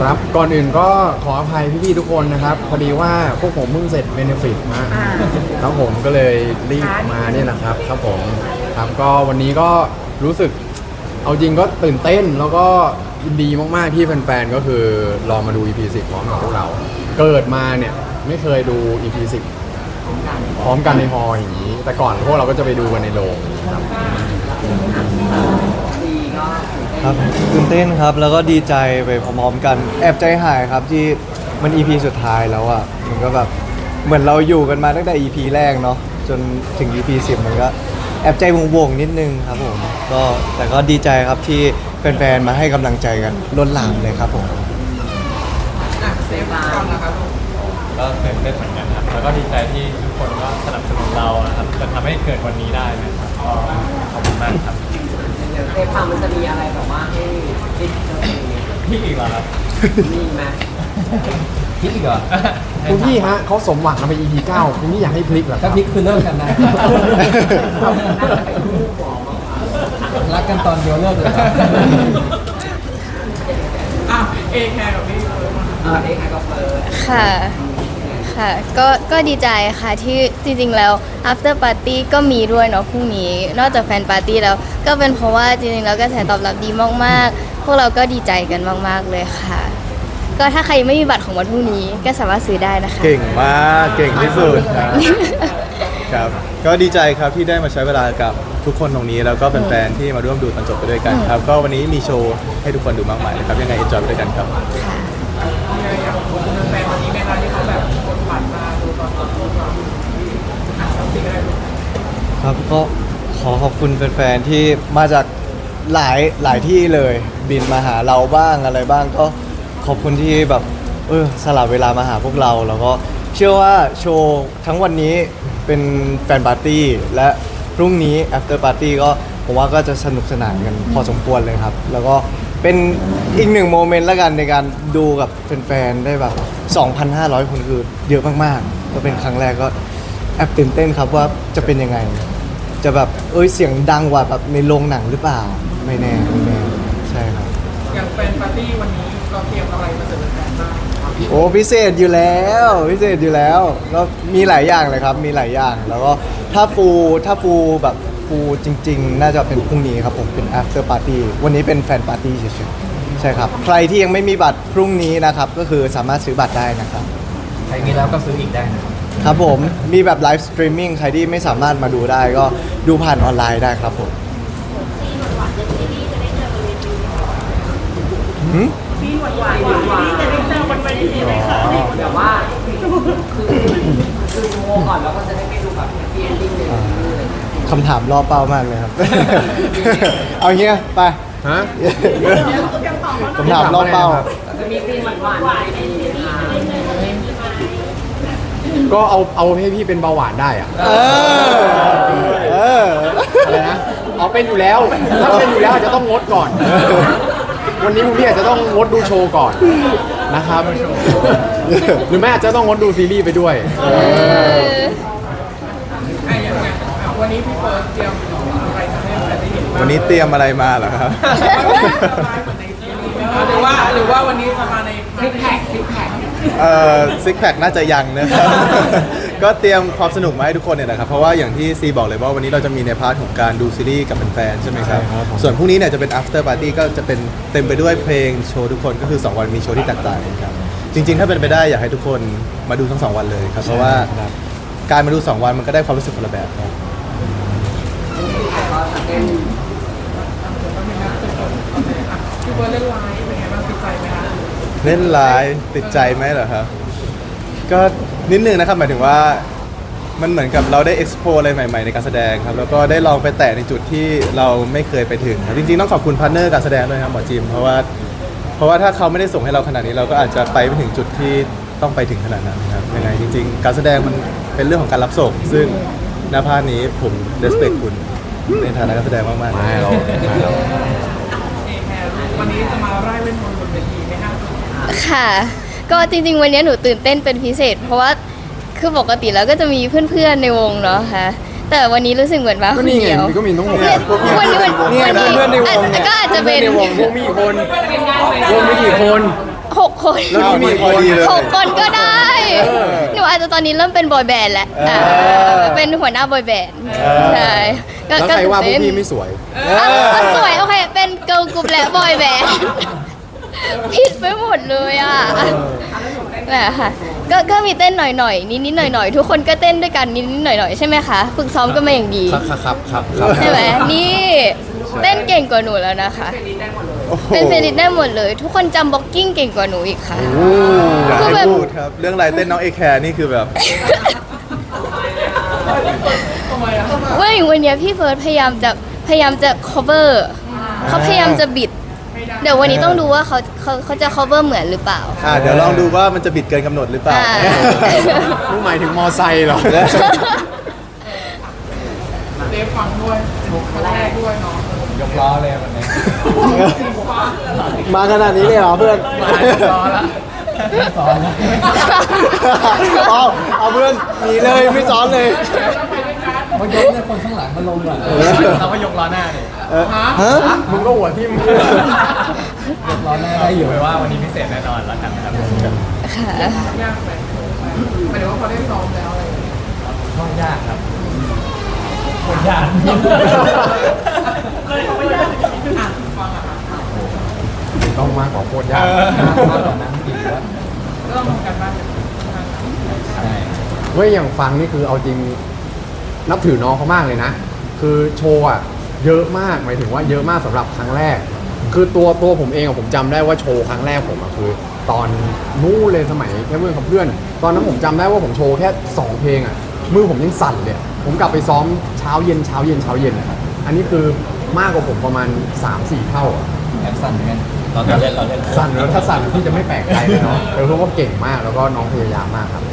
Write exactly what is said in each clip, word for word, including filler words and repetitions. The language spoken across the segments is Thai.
ครับก่อนอื่นก็ขออภัยพี่ๆทุกคนนะครับพอดีว่าพวกผมเพิ่งเสร็จเบนฟิตมาครับผมก็เลยรีบมาเนี่ยนะครับครับผมครับก็วันนี้ก็รู้สึกเอาจริงก็ตื่นเต้นแล้วก็ยินดีมากๆที่แฟนๆก็คือรอมาดู อี พี สิบพร้อมกับพวกเราเกิดมาเนี่ยไม่เคยดู อี พี สิบพร้อมกันในฮอลล์อย่างนี้ แต่ก่อนพวกเราก็จะไปดูกันในโรงครับครับตื่นเต้นครับแล้วก็ดีใจไปพร้อมๆกันแอบใจหายครับที่มัน อี พี สุดท้ายแล้วอ่ะมันก็แบบเหมือนเราอยู่กันมาตั้งแต่ อี พี แรกเนาะจนถึง อี พี สิบมันก็แอบใจวงๆนิดนึงครับผมก็แต่ก็ดีใจครับที่แฟนๆมาให้กำลังใจกันล้นหลามเลยครับผมก็ตื่นเต้นเหมือนกันครับแล้วก็ดีใจที่ทุกคนก็สนับสนุนเรานะครับจนทำให้เกิดวันนี้ได้นะครับก็ขอบคุณมากครับเดี๋ยวเซฟฟังมันจะมีอะไรแบบว่าให้คิดพี่อีกเหรอครับมีไหมพี่อีกเหรอคุณพี่ฮะเขาสมหวังมาไป อี พี เก้าคุณพี่อยากให้พลิกเหรอคถ้ารับพลิกคือเลิกกันนะรักกันตอนเดียวเลิกเลยอ่ะเอแคร์กับพี่เฟิร์นอ่ะเอแคร์กับเฟิร์นค่ะค่ะก็ก็ดีใจค่ะที่จริงๆแล้ว after party ก็มีด้วยเนาะพรุ่งนี้นอกจากแฟนปาร์ตี้แล้วก็เป็นเพราะว่าจริงๆแล้วกระแสตอบรับดีมากๆพวกเราก็ดีใจกันมากๆเลยค่ะก็ถ้าใครยังไม่มีบัตรของวันพรุ่งนี้ก็สามารถซื้อได้นะคะเก่งมากเก่งที่สุดครับก็ดีใจครับที่ได้มาใช้เวลากับทุกคนตรงนี้แล้วก็เป็นแฟนที่มาร่วมดูตอนจบไปด้วยกันครับก็วันนี้มีโชว์ให้ทุกคนดูมากมายนะครับยังไง enjoy ไปด้วยกันครับแฟนวันนี้ไหมคะที่เขาแบบกดบัตรมาดูตอนจบพวกเราครับก็ขอขอบคุณแฟนๆที่มาจากหลายหลายที่เลยบินมาหาเราบ้างอะไรบ้างก็ขอบคุณที่แบบเออสลับเวลามาหาพวกเราแล้วก็เชื่อว่าโชว์ทั้งวันนี้เป็นแฟนปาร์ตี้และพรุ่งนี้ after party ก็ผมว่าก็จะสนุกสนานกันพอสมควรเลยครับแล้วก็เป็นอีกหนึ่งโมเมนต์ละกันในการดูกับแฟนๆได้แบบ สองพันห้าร้อย คนคือเยอะมากๆก็เป็นครั้งแรกก็แอบตื่นเต้นครับว่าจะเป็นยังไงจะแบบเอ้ยเสียงดังกว่าแบบในโรงหนังหรือเปล่าไม่แน่ไม่แน่ใช่ครับอย่างแฟนปาร์ตี้วันนี้เราเตรียมอะไรมาเสิร์ฟแฟนบ้างโอ้พิเศษอยู่แล้วพิเศษอยู่แล้วก็มีหลายอย่างเลยครับมีหลายอย่างแล้วก็ถ้าฟูถ้าฟูแบบฟูจริงๆน่าจะเป็นพรุ่งนี้ครับผมเป็น after party วันนี้เป็นแฟนปาร์ตี้เฉยๆใช่ครับใครที่ยังไม่มีบัตรพรุ่งนี้นะครับก็คือสามารถซื้อบัตรได้นะครับใครมีแล้วก็ซื้ออีกได้นะครับผมมีแบบไลฟ์สตรีมมิ่งใครที่ไม่สามารถมาดูได้ก็ดูผ่านออนไลน์ได้ครับผมซีนหวานหวานหวานจะได้เจอบนเวทีไหมคะแบบว่าคือคือโมก่อนแล้วก็จะได้ไปดูแบบแฮปปี้เอนดิ้งเลยคำถามล่อเป้ามากเลยครับ เอาเงี้ยไปฮะคำถามล่อเป้าจะมีซีนหวานหวานในนี้ค่ะก็เอาเอาให้พี่เป็นเบาหวานได้อะเออเอออะไรนะเอาเป็นอยู่แล้วถ้าเป็นอยู่แล้วอาจจะต้องงดก่อนวันนี้พวกพี่อาจจะต้องงดดูโชว์ก่อนนะครับหรือไม่อาจจะต้องงดดูซีรีส์ไปด้วยวันนี้พี่เฟิร์สเตรียมอะไรมาให้แฟนได้เห็นบ้างวันนี้เตรียมอะไรมาเหรอครับหรือว่าหรือว่าวันนี้จะมาในซิกแพคซิกแพคเอ่อซิกแพคน่าจะยังนะครับ ก็เตรียมความสนุกมาให้ทุกคนเนี่ยนะครับเพราะว่าอย่างที่ซีบอกเลยว่าวันนี้เราจะมีในพาร์ทของการดูซีรีส์กับแฟนๆใช่ไหมครับส่วนพรุ่งนี้เนี่ยจะเป็น after party ก็จะเป็นเต็มไปด้วยเพลงโชว์ทุกคนก็คือสองวันมีโชว์ที่แตกต่างกันครับจริงๆถ้าเป็นไปได้อยากให้ทุกคนมาดูทั้งสองวันเลยครับเพราะว่าการมาดูสองวันมันก็ได้ความรู้สึกคนละแบบครับพี่เฟิร์สเล่นไลฟ์เป็นไงบ้างติดใจไหมคะเล่นไลฟ์ติดใจไหมเหรอครับก็นิดนึงนะครับหมายถึงว่ามันเหมือนกับเราได้ explore อะไรใหม่ๆในการแสดงครับแล้วก็ได้ลองไปแตะในจุดที่เราไม่เคยไปถึงครับจริงๆต้องขอบคุณพาร์ทเนอร์การแสดงด้วยครับหมอจิมเพราะว่าเพราะว่าถ้าเขาไม่ได้ส่งให้เราขนาดนี้เราก็อาจจะไปไม่ถึงจุดที่ต้องไปถึงขนาดนั้นครับยังไงจริงๆการแสดงมันเป็นเรื่องของการรับส่งซึ่งหน้าพาร์ทนี้ผม respect คุณในฐานะการแสดงมากๆไม่เราวันนี้จะมาไล่เล่นมนต์บนเวทีไหมคะค่ะก็จริงๆวันนี้หนูตื่นเต้นเป็นพิเศษเพราะว่าคือปกติแล้วก็จะมีเพื่อนๆในวงเนาะค่ะแต่วันนี้รู้สึกเหมือนว่าคนเดียวก็มีทั้งหมดวันนี้วันนี้เพื่อนในวงก็อาจจะเป็นวงมีคนวงมีกี่คนหกคนแล้วนี่มีพอดีเลยหกคนก็ได้เออหนูอาจจะตอนนี้เริ่มเป็นบอยแบนด์แล้วเอออ่าเป็นหัวหน้าบอยแบนด์เออใช่ก็แล้วก็ใครว่าพวตื่กนเต้นพี่ไม่สวยอ่ะก็สวยโอเค เป็นเกิร์ลกรุ๊ปและบอยแบนด์ผิดไปหมดเลยอ่ะแหละค่ะก็ก็มีเต้นหน่อยๆนิดๆหน่อยๆทุกคนก็เต้นด้วยกันนิดๆหน่อยๆใช่ไหมคะฝึกซ้อมกันมาอย่างดีครับครับครับครับใช่ไหมนี่เต้นเก่งกว่าหนูแล้วนะคะโอ้โหเป็นเฟรนดิสได้หมดเลย ทุกคนจำบ็อกกิ้งเก่งกว่าหนูอีกค่ะอยากคือให้แบบพูดครับ เรื่องลายเต้นน้องเอแคร์นี่คือแบบว่าอย่างวันเนี้ยพี่เฟิร์สพยายามจะพยายามจะ cover เขาพยายามจะบิด เดี๋ยววันนี้ต้องดูว่าเขาเขาเขาจะ cover เหมือนหรือเปล่าอ่าเดี๋ยวลองดูว่ามันจะบิดเกินกำหนดหรือเปล่าอ่าผู้หมายถึงมอไซค์เหรอยกล้อเลยวันนี้มาขนาดนี้เลยเหรอเพื่อนมายกล้อละสอนแล้วเอาเอาเพื่อนหนีเลยไม่ซ้อนเลยมันยกเนี่ยคนข้างหลังมาลงก่อนเราก็ยกล้อหน้าดิเออฮะมึงก็หัวทิ่มยกล้อหน้าได้อยู่ไว้ว่าวันนี้พิเศษแน่นอนแล้วกันนะครับค่ะก็ยากครับโคตรยากต้องมากกว่าโคตรยากนั่งกินแล้วใช่เว้ยอย่างฟังนี่คือเอาจริงนับถือน้องเขามากเลยนะ คือโชว์อะเยอะมากหมายถึงว่าเยอะมากสำหรับครั้งแรก คือตัวตัวผมเองอะผมจำได้ว่าโชว์ครั้งแรกผมอะคือ ตอนนู้นเลยสมัยแค่เพื่อนกับเพื่อน ตอนนั้นผมจำได้ว่าผมโชว์แค่สองเพลงอะมือผมยังสั่นเลยผมกลับไปซ้อมเช้าเย็นเช้าเย็นเช้าเย็นอะอันนี้คือมากกว่าผมประมาณ สามสี่ เท่าอะแอบสั่นเหมือนกันตอนเล่นเราเล่นสั่นแล้วถ้าสั่นพี่จะไม่แปลกใจเลยเนาะแต่เพราะว่าเก่งมากแล้วก็น้องพยายามมากครับ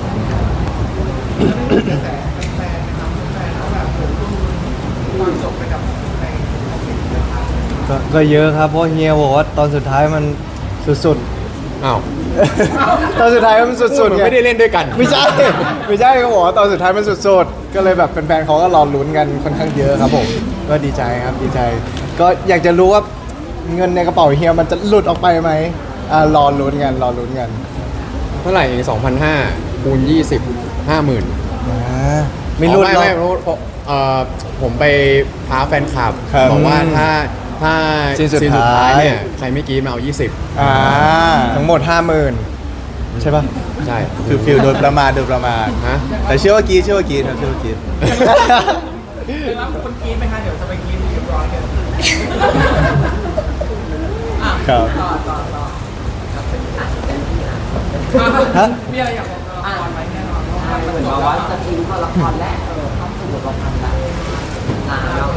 ก็ก็เยอะครับเพราะเฮียบอกว่าตอนสุดท้ายมันสุดอ้าวๆ ตอนสุดท้ายมันสุดๆมันไงไม่ได้เล่นด้วยกันไม่ใช่ ไม่ใช่เขาบอกว่าตอนสุดท้ายมันสุดๆ ก็เลยแบบแฟนๆเขาก็รอลุ้นกันค่อนข้างเยอะครับผม ก็ดีใจครับดีใจ ก็อยากจะรู้ว่าเงินในกระเป๋าเฮียมันจะหลุดออกไปไหมอ่ารอลุ้นกันรอลุ้นกันเท่าไหร่สองพันห้าคูณยี่สิบห้าหมื่นอ่าไม่หลุดไม่หรอกไม่เพราะเพราะเอ่อผมไปท้าแฟนคลับครับบอกว่าถ้าถ้าซีนสุดท้ายเนี่ยใครไม่กรีดมาเอายี่สิบอ่าทั้งหมดห้าหมื่นใช่ปะใช่คือฟิลโดนประมาทโดนประมาทฮะแต่เชื่อว่ากรีดเชื่อว่ากรีดครับเชื่อว่ากรีดครับฮะอ่ะเหมือนว่าจะทิ้งตัวละครและเออเข้าสู่บทประพันธ์ละลาแล้ว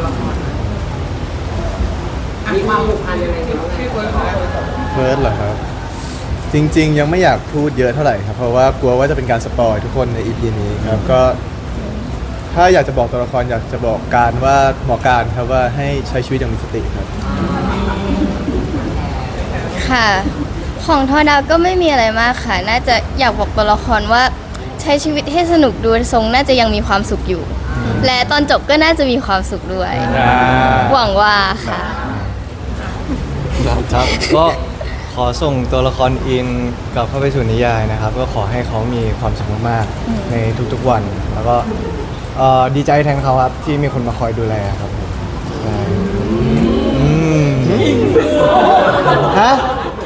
มีความผูกพันยังไงกันบ้างไงเฟิร์สเหรอครับ จริง ๆ ยังไม่อยากพูดเยอะเท่าไหร่ครับ เพราะว่ากลัวว่าจะเป็นการสปอยทุกคนใน อี พี นี้ครับก็ ถ้าอยากจะบอกตัวละครอยากจะบอกการว่าบอกการครับว่าให้ใช้ชีวิตอย่างมีสติครับค่ะ ของทอดาวก็ไม่มีอะไรมากค่ะ น่าจะอยากบอกตัวละครว่าใช้ชีวิตให้สนุกดูทรงน่าจะยังมีความสุขอยู่ และตอนจบก็น่าจะมีความสุขด้วย หวังว่าค่ะครับก็ขอส่งตัวละครอินกลับเข้าไปสู่นิยายนะครับ ก็ขอให้เขามีความสุขมากๆในทุกๆวัน แล้วก็เอ่อดีใจแทนเขาครับที่มีคนมาคอยดูแลครับผมใช่อืมฮะ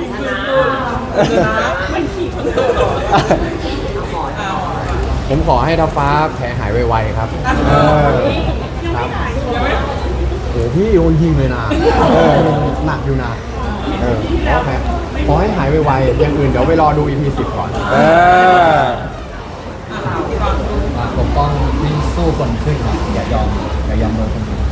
ผมขอให้ท้าฟ้าแผลหายไวๆครับเออครับโอ้พี่โดนยิงเลยนะหนักอยู่นะเออขอแผลขอให้หายไวๆอย่างอื่นเดี๋ยวไปรอดู อี พี สิบก่อนเออปกป้องวิ่งสู้คนขึ้นนะอย่ายอมอย่ายอมโดนคนอื่น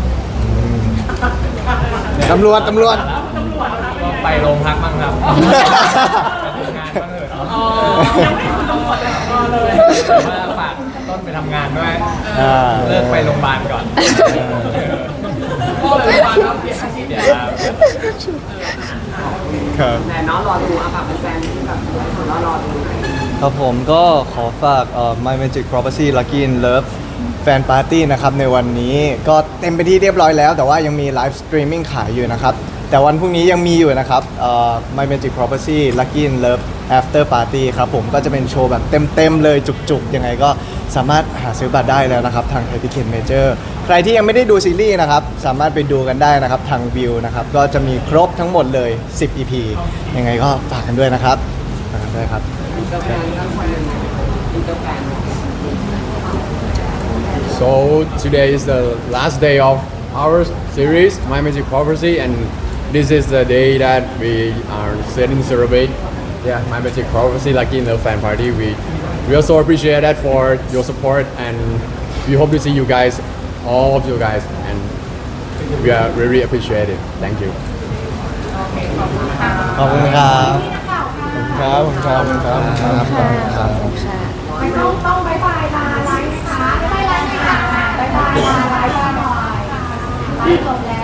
ตำรวจตำรวจก็ไปโรงพักบ้างครับไปทำงานบ้างเถอะอ๋อยังไม่ถึงโรงพยาบาลเลยว่าฝากต้นไปทำงานด้วยอ่าเลิกไปโรงพยาบาลก่อนพ่อเลยโรงพยาบาลแล้วเปลี่ยนอาชีพเปลี่ยนแล้วครับแต่เน้องรอดูอ่ะค่ะเป็นแฟนที่แบบหลายคนรอดูครับผมก็ขอฝากเอ่อ My Magic Property Lucky in Love แฟนปาร์ตี้นะครับในวันนี้ก็เต็มไปที่เรียบร้อยแล้ว แต่ว่ายังมีไลฟ์สตรีมมิ่งขายอยู่นะครับแต่วันพรุ่งนี้ยังมีอยู่นะครับเอ่อ My Magic Property Lucky in Love After Party ครับผมก็จะเป็นโชว์แบบเต็มๆเลยจุกๆ ยังไงก็สามารถหาซื้อบัตรได้แล้วนะครับ ทาง Ticket Major ใครที่ยังไม่ได้ดูซีรีส์นะครับ สามารถไปดูกันได้นะครับ ทางวิวนะครับ ก็จะมีครบทั้งหมดเลย สิบ อี พี ยังไงก็ฝากกันด้วยนะครับฝากกันด้วยครับอินเตอร์แฟนสักคนหนึ่งอินเตอร์แฟน So today is the last day of our series, My Magic Prophecy, and this is the day that we are setting celebrate. Yeah, My Magic Prophecy, Lucky in the fan party. We we also appreciate that for your support, and we hope to see you guys, all of you guys, and we are really appreciate it. Thank you. ขอบคุณครับขอบคุณครับขอบคุณครับขอบคุณครับขอบคุณครับไม่ต้องต้องบายบายลาไลฟ์นะคะบายบายลาไลฟ์ค่ะบายบายลาไลฟ์ก่อนหน่อยไลฟ์จบแล้ว